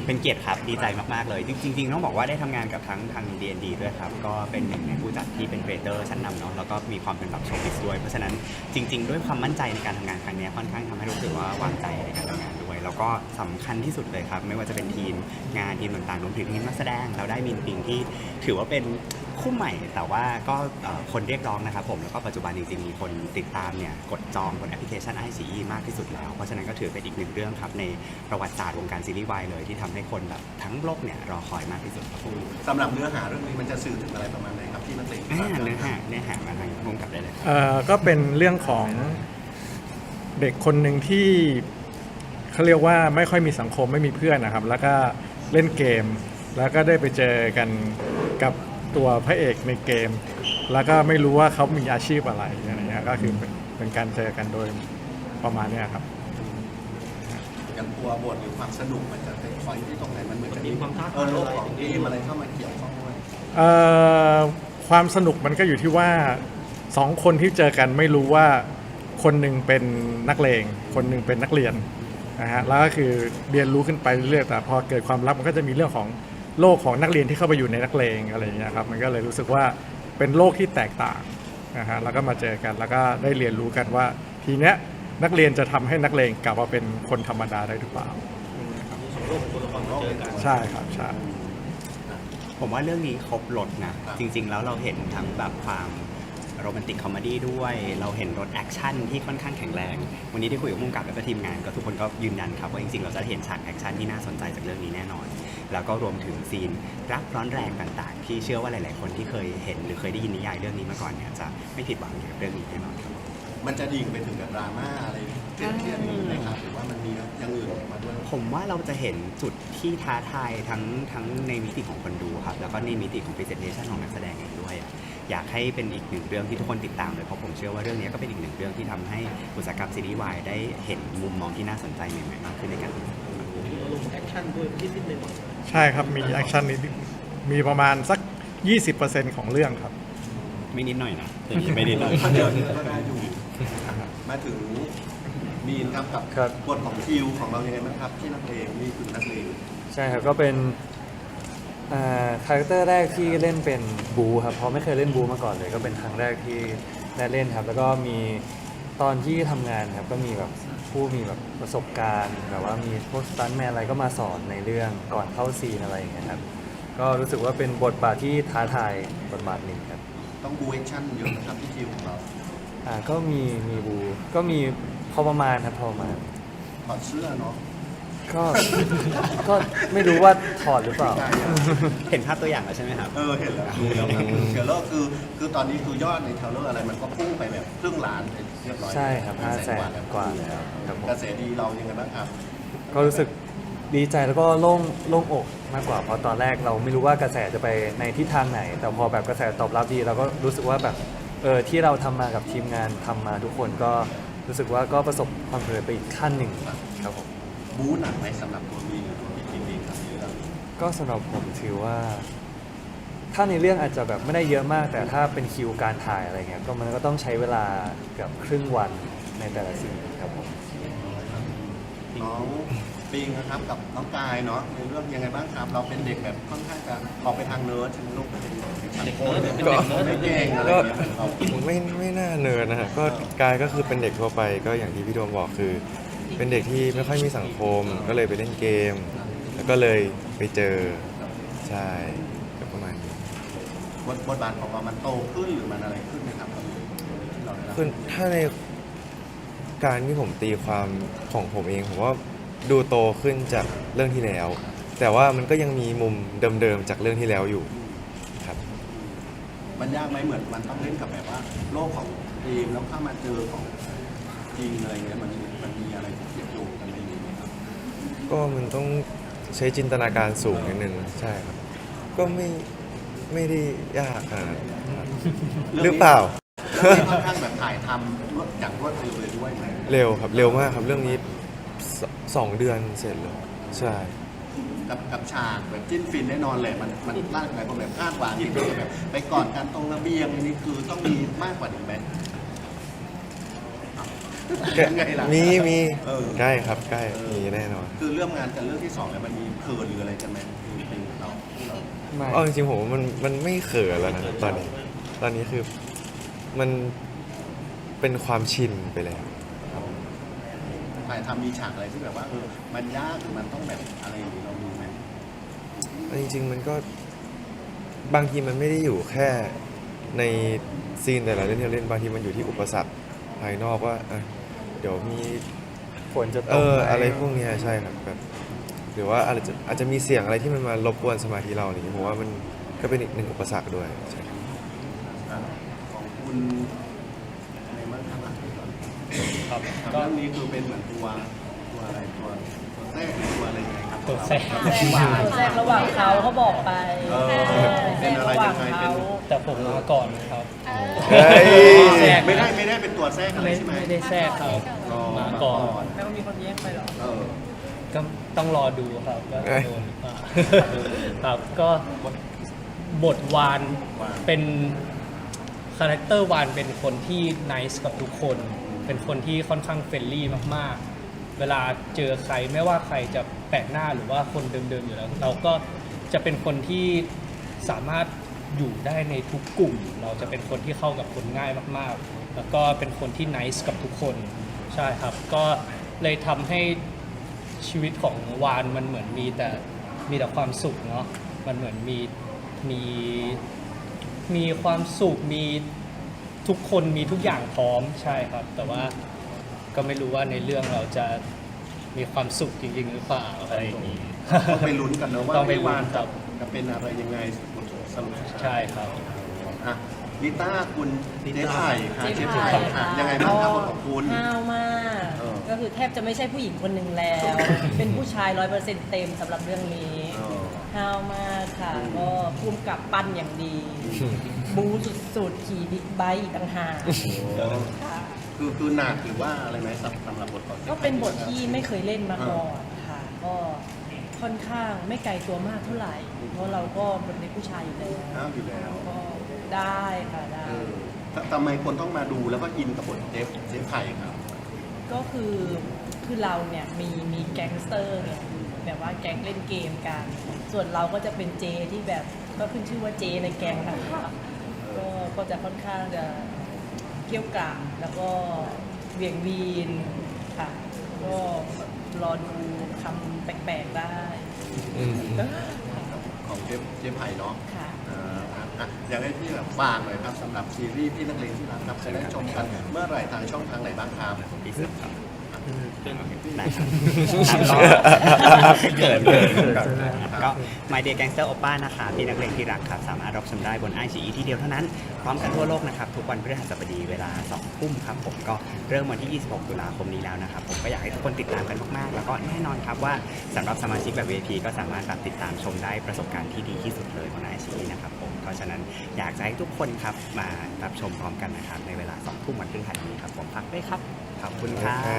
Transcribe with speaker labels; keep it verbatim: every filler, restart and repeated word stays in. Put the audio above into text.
Speaker 1: เป็นเกียรติครับดีใจมากๆเลยจริงๆต้องบอกว่าได้ทำงานกับทั้งทาง ดี เอ็น ดี ด้วยครับก็เป็นหนึ่งในผู้จัดที่เป็นครีเอเตอร์ชั้นนำเนาะแล้วก็มีความเป็นแบบโชว์บิสด้วยเพราะฉะนั้นจริงๆด้วยความมั่นใจในการทำงานครั้งนี้ค่อนข้างทำให้รู้สึกว่าวางใจในการทำงานด้วยแล้วก็สำคัญที่สุดเลยครับไม่ว่าจะเป็นทีมงานทีมต่างๆรวมถึงทีมนักแสดงเราได้มินปิงที่ถือว่าเป็นคู่ใหม่แต่ว่าก็คนเรียกร้องนะครับผมแล้วก็ปัจจุบันจริงๆมีคนติดตามเนี่ยกดจองบนแอปพลิเคชัน ไอ ซี อี มากที่สุดแล้วเพราะฉะนั้นก็ถือเป็นอีกหนึ่งเรื่องครับในประวัติศาสตร์วงการซีรีส์วายเลยที่ทำให้คนแบบทั้งโลกเนี่ยรอคอยมากที่สุดครับผม
Speaker 2: สำหรับเนื้อหาเรื่องนี้มันจะสื่อถึงอะไรประมาณไหนครับที่นักเตะ
Speaker 1: เนื้อหาเนื้อหาเนื้อหามาทางวงกับได้เลย
Speaker 3: เอ่อก็เป็นเรื่องของเด็กคนหนึ่งที่เขาเรียกว่าไม่ค่อยมีสังคมไม่มีเพื่อนนะครับแล้วก็เล่นเกมแล้วก็ได้ไปเจอกันกับตัวพระเอกในเกมแล้วก็ไม่รู้ว่าเขามีอาชีพอะไรอะไรเงี้ยก็คือเป็นเป็นการเจอกันโดยประมาณนี้ครับ
Speaker 2: อย่างตัวบทหรือความสนุกมันจะเป็นคอยที่ตรงไหนมันเหมือนจะมีความท้าทายโลกของทีมอะไรเข้ามาเกี่ยวข้องด้วย
Speaker 3: เอ่อความสนุกมันก็อยู่ที่ว่าสองคนที่เจอกันไม่รู้ว่าคนหนึ่งเป็นนักเลงคนหนึ่งเป็นนักเรียนนะฮะแล้วก็คือเรียนรู้ขึ้นไปเรื่อยๆแต่พอเกิดความลับมันก็จะมีเรื่องของโลกของนักเรียนที่เข้าไปอยู่ในนักเลงอะไรอย่างเงี้ยครับมันก็เลยรู้สึกว่าเป็นโลกที่แตกต่างนะฮะแล้วก็มาเจอกันแล้วก็ได้เรียนรู้กันว่าทีเนี้ยนักเรียนจะทำให้นักเลงกลับมาเป็นคนธรรมดาได้หรือเปล่าใช่ครับใช่
Speaker 1: ผมว่าเรื่องนี้ครบรถนะจริงๆแล้วเราเห็นทั้งแบบความโรแมนติกคอมเมดี้ด้วยเราเห็นรถแอคชั่นที่ค่อนข้างแข็งแรงวันนี้ที่คุยกับผู้กำกับแล้วก็ทีมงานก็ทุกคนก็ยืนยันครับว่าจริงๆเราจะเห็นฉากแอคชั่นที่น่าสนใจจากเรื่องนี้แน่นอนแล้วก็รวมถึงซีนรักร้อนแรงต่างๆที่เชื่อว่าหลายๆคนที่เคยเห็นหรือเคยได้ยินนิยายเรื่องนี้มาก่อนเนี่ยจะไม่ผิดหวังกับเรื่องนี้แน่นอนครับ
Speaker 2: มันจะดิ่งไปถึงกับดราม่าอะไรเทียบๆนี้ไหมครับหรือว่ามันมีอย่างอื่นมาด้วย
Speaker 1: ผมว่าเราจะเห็นจุดที่ท้าทายทั้งทั้งในมิติของคนดูครับแล้วก็ในมิติของ presentation ของนักแสดงเองด้วยอยากให้เป็นอีกหนึ่งเรื่องที่ทุกคนติดตามเลยเพราะผมเชื่อว่าเรื่องนี้ก็เป็นอีกหนึ่งเรื่องที่ทำให้อุตสาหกรรมซีรีส์วายได้เห็นมุมมองที่น่าสนใจใหม่ๆมากขึ้นในการทำงาน
Speaker 4: ลงแอคชั่นด้วยนิดๆหน่อย
Speaker 3: ใช่ครับมีแอคชั่นนิดมีประมาณสัก ยี่สิบเปอร์เซ็นต์ ของเรื่องครับ
Speaker 1: ไม่นิดหน่อยนะไม่นิดหน่อย
Speaker 2: เดี๋ยวก็ได้อยู่มาถึงมีนครับกับบทของคิวของเรายังไงบ้างครับที่นักเลงนี่คือนักเลง
Speaker 5: ใช่ครับก็เป็นคาแรคเตอร์แรกที่เล่นเป็นบูครับเพราะไม่เคยเล่นบูมาก่อนเลยก็เป็นครั้งแรกที่ได้เล่นครับแล้วก็มีตอนที่ทำงานครับก็มีแบบผู้มีแบบประสบการณ์แบบว่ามีพวกสตันท์แมนอะไรก็มาสอนในเรื่องก่อนเข้าซีนอะไรอย่างเงี้ยครับก็รู้สึกว่าเป็นบทบาทที่ท้าทายบทบาทหนึ่งครับ
Speaker 2: ต้องบูแอคชั่นเยอะนะครับที่คิวของเรา
Speaker 5: อ่าก็มีมีบูก็มีพอประมาณครับพอประมาณ
Speaker 2: ถอดเสื้อเนาะ
Speaker 5: ก็ก็ไม่รู้ว่าถอดหรือเปล่า
Speaker 1: เห็นภาพตัวอย่างแล้วใช่ไหมครับ
Speaker 2: เออเห็นแล้วดูแล้วครับเดี๋ยวแล้วคือคือตอนนี้คือยอดในเทเลอร์อะไรมันก็พุ่งไปแบบครึ่งล้านเรียบร้อย
Speaker 5: ใช่ครับห้าแสนกว่าแล้วครับ
Speaker 2: กระแสดีเรายังไงบ้างครับ
Speaker 5: ก็รู้สึกดีใจแล้วก็โล่งโล่งอกมากกว่าเพราะตอนแรกเราไม่รู้ว่ากระแสจะไปในทิศทางไหนแต่พอแบบกระแสตอบรับดีเราก็รู้สึกว่าแบบเออที่เราทำมากับทีมงานทำมาทุกคนก็รู้สึกว่าก็ประสบความสำเร็จไปอีกขั้นหนึ่งครับผม
Speaker 2: บู๊หนักไหมสำหรับตัวมีหรือตัวพี่คิงเองครับเรื่อง
Speaker 5: ก็สำหรับผมถือว่าถ้าในเรื่องอาจจะแบบไม่ได้เยอะมากแต่ถ้าเป็นคิวการถ่ายอะไรเงี้ยก็มันก็ต้องใช้เวลาเกือบครึ่งวันในแต่ละซีนครับผม
Speaker 2: น้องปิงนะครับกับน้องกายเนาะในเรื่องยังไงบ้างครับเราเป็นเด็กแบบค่อนข้างจะออกไปทางเนิร์ดใช่ไหมลูกเป็นเด็กเด็กเนิร์ดเป็นเด็กเนิร์ดไม่เก่งอะไรอย่างเงี้ยเรา
Speaker 6: ไม่ไม่น่าเนิร์ดนะฮะก็กายก็คือเป็นเด็กทั่วไปก็อย่างที่พี่โดมบอกคือเป็นเด็กที่ไม่ค่อยมีสังคมก็เลยไปเล่นเกมแล้วก็เลยไปเจอใช่ก็ประมาณนี้
Speaker 2: บทบทบาทของเรามันโตขึ้นหรือมันอะไรขึ้นไหมครับ
Speaker 6: คือถ้าในการที่ผมตีความของผมเองผมว่าดูโตขึ้นจากเรื่องที่แล้วแต่ว่ามันก็ยังมีมุมเดิมๆจากเรื่องที่แล้วอยู่ครับ
Speaker 2: มันยากไหมเหมือนมันต้องเล่นกับแบบว่าโลกของทีมแล้วเข้ามาเจอของจริงอะไรเงี้ยมันมันมีอะไรเกี่ยวโยงกันในนี้ไหมครับ
Speaker 6: ก็มันต้องใช้จินตนาการสูงนิดนึงใช่ครับก็ไม่ไม่ได้ยากขนาดหรือเปล่า
Speaker 2: ค่อนข้างแบบถ่ายทำรวดจากรวดเร็วเลยด้วยไหม
Speaker 6: เร็วครับเร็วมากครับเรื่องนี้สองเดือนเสร็จเลยใช่
Speaker 2: กับกับฉากแบบจิ้นฟินแน่นอนเลยมันมันร่างกายคนแบบคาดหวังที่แบบไปกอดกันตรงระเบียงนี่คือต้องมีมากกว่านี้ไหมยังไงล่ะ
Speaker 6: มีมี
Speaker 2: เออ
Speaker 6: ใกล้ครับใกล้
Speaker 2: เออ
Speaker 6: มีแน่นอน
Speaker 2: คือเรื่องงานกันเรื่องที่สองแล้วมันมีเขินหรืออะไรกันไหมเป็นเราเรา
Speaker 5: ไม่
Speaker 6: เอาจริงๆผมว่ามันมันไม่เขินแล้วนะตอนนี้ ตอนนี้คือมันเป็นความชินไปแล้ว
Speaker 2: ถ่ายทำมีฉากอะไรที่แบบว่าเออมันยากหรือมันต้องแบบอะไรอย่างนี้เรามีไหม
Speaker 6: จริงๆมันก็บางทีมันไม่ได้อยู่แค่ในซีนแต่ละเรื่องที่เราเล่นบางทีมันอยู่ที่อุปสรรคภายนอกว่าอ่ะเดี๋ยวมี
Speaker 5: ฝนจะต
Speaker 6: เอก อ
Speaker 5: ไหม
Speaker 6: อะไรพวกเนี้ยใช่ครับแบบหรือว่าอาจจะอาจจะมีเสียงอะไรที่มันมารบกวนสมาธิเราอะไรอย่างเงี้ยผมว่ามันก็เป็นอีกหนึ่งอุปสรรคด้วยใช่ครับ
Speaker 2: อ่ะของคุณอะไรบ้างครับอ่ะ
Speaker 7: ครับ
Speaker 2: ครับ
Speaker 7: ก็
Speaker 2: เรื่องนี้คือเป็นเหมือนตัวตัวอะไรตัวตัวแทรกหรือตัวอะไรยังไงครับ
Speaker 7: ตัวแทรก
Speaker 8: แทรกระหว่างเขาเขาบอกไป
Speaker 2: เออ
Speaker 8: แทร
Speaker 2: เป็น
Speaker 8: ก
Speaker 2: อะไร
Speaker 8: ระหว่า
Speaker 2: ยัง งไง
Speaker 8: เขา
Speaker 2: เป็น
Speaker 7: แต่ผมมาก่อนครับ
Speaker 6: เฮ้ย
Speaker 7: แทรก
Speaker 2: ไม่ได้ไม่ได้เป็นตัวแทรกอะไร
Speaker 7: ไม่
Speaker 2: ใช่ไหม
Speaker 7: ไม่ได้แทรกครับ
Speaker 2: อ๋อ
Speaker 7: มาก่อน
Speaker 8: แล้วก็มีคนแย่งไปเหรอ
Speaker 2: เออ
Speaker 7: ก็ต้องรอดูครับว่า
Speaker 6: เอ้ย
Speaker 7: โดนหรือเปล่าครับก็บทวาน
Speaker 2: วาน
Speaker 7: เป็นคาแรคเตอร์วานเป็นคนที่ไนซ์กับทุกคน เป็นคนที่ค่อนข้างเฟรนลี่มากๆ เวลาเจอใครไม่ว่าใครจะแปลกหน้าหรือว่าคนเดิมๆอยู่แล้ว เราก็จะเป็นคนที่สามารถอยู่ได้ในทุกกลุ่ม เราจะเป็นคนที่เข้ากับคนง่ายมากๆ แล้วก็เป็นคนที่ไนซ์กับทุกคนใช่ครับ ก็เลยทำให้ชีวิตของวานมันเหมือนมีแต่มีแต่ความสุขเนาะมันเหมือนมีมีมีความสุขมีทุกคนมีทุกอย่างพร้อมใช่ครับ แต่ว่าก็ไม่รู้ว่าในเรื่องเราจะมีความสุขจริงๆหรือเปล่าอะไรอย่างนี้
Speaker 2: ต้องไปลุ้นกันนะว่า
Speaker 7: ต้องไปลุ้น
Speaker 2: วาน
Speaker 7: ครั
Speaker 2: จะ
Speaker 7: บ
Speaker 2: จะเป็นอะไรยังไงสรุปสุดท้าย
Speaker 7: ใช่ครับ
Speaker 2: อ่ะลิต้าคุณเจ๊ไผ่ค่ะ
Speaker 8: เจ๊
Speaker 2: เจ๊
Speaker 8: ไผ่
Speaker 2: ไผ่ค่ะยังไงบ้างครับบทของคุณ
Speaker 8: ห้าวมาก
Speaker 2: เออ
Speaker 8: ก็คือแทบจะไม่ใช่ผู้หญิงคนหนึ่งแล้ว เป็นผู้ชายร้อยเปอร์เซ็นต์เต็มสำหรับเรื่องนี้
Speaker 2: เออ
Speaker 8: ห้าวมากค่ะ ก็พุ่มกับปั้นอย่างดี บูสุดๆ ขี่บิ๊กไบค์อีกต่างหากค่ะ
Speaker 2: คือคือหนักหรือว่าอะไรไหมสำสำหรับบทของจ๊ไผ่
Speaker 8: ก็เป็นบทที่ไม่เคยเล่นมาก่อนค่ะ ก็ค่อนข้างไม่ไกลตัวมากเท่าไหร่ เพราะเราก็เป็นผู้ชายอยู่แล้ว
Speaker 2: ห้ามอยู่แล้ว
Speaker 8: ก็ได้ค่ะได้
Speaker 2: เออททำไมคนต้องมาดูแล้วก็อินกับบทเจ๊เจ๊ไผ่ครับ
Speaker 8: ก็คือคือเราเนี่ยมีมีแก๊งสเตอร์เนี่ยแบบว่าแก๊งเล่นเกมกัน ส่วนเราก็จะเป็นเจที่แบบก็ขึ้นชื่อว่าเจในแก๊งนะคะก็ก็จะค่อนข้างจะเกรี้ยวกราดแล้วก็เวียงวีนค่ะ ก็รอดูคำแปลกๆได้
Speaker 6: อืม
Speaker 2: ของเจ๊เจ๊ไผ่เนาะ
Speaker 8: ค่ะ
Speaker 2: อ่าอ่ะอ่ะอยากให้พี่แบบฝากหน่อยครับสำหรับซีรีส์พี่นักเลงที่รักครับจะได้ชมกันเมื่อไหร่ทางช่องทางไหนบ้างครับ
Speaker 1: พี่สึกครับได้ครับเกิดเกิดก็ My Day Gangster Oppa นะคะพี่นักเลงที่รักครับ สามารถรับชมได้บน ไอ ซี อี ที่เดียวเท่านั้น พร้อมกันทั่วโลกนะครับ ทุกวันพฤหัสบดีเวลาสองทุ่มครับผมก็เริ่มวันที่ ยี่สิบหก ตุลาคมนี้แล้วนะครับ ผมก็อยากให้ทุกคนติดตามกันมากๆ แล้วก็แน่นอนครับว่าสำหรับสมาชิกแบบ วี ไอ พี ก็สามารถแบบติดตามชมได้ประสบการณ์ที่ดีที่สุดเลยบน ไอ ซี อี นะครับผมเพราะฉะนั้นอยากจะให้ทุกคนครับมารับชมพร้อมกันนะครับในเวลาสองทุ่มวันพฤหัสนี้ครับผมฝากด้วยครับขอบคุณครับ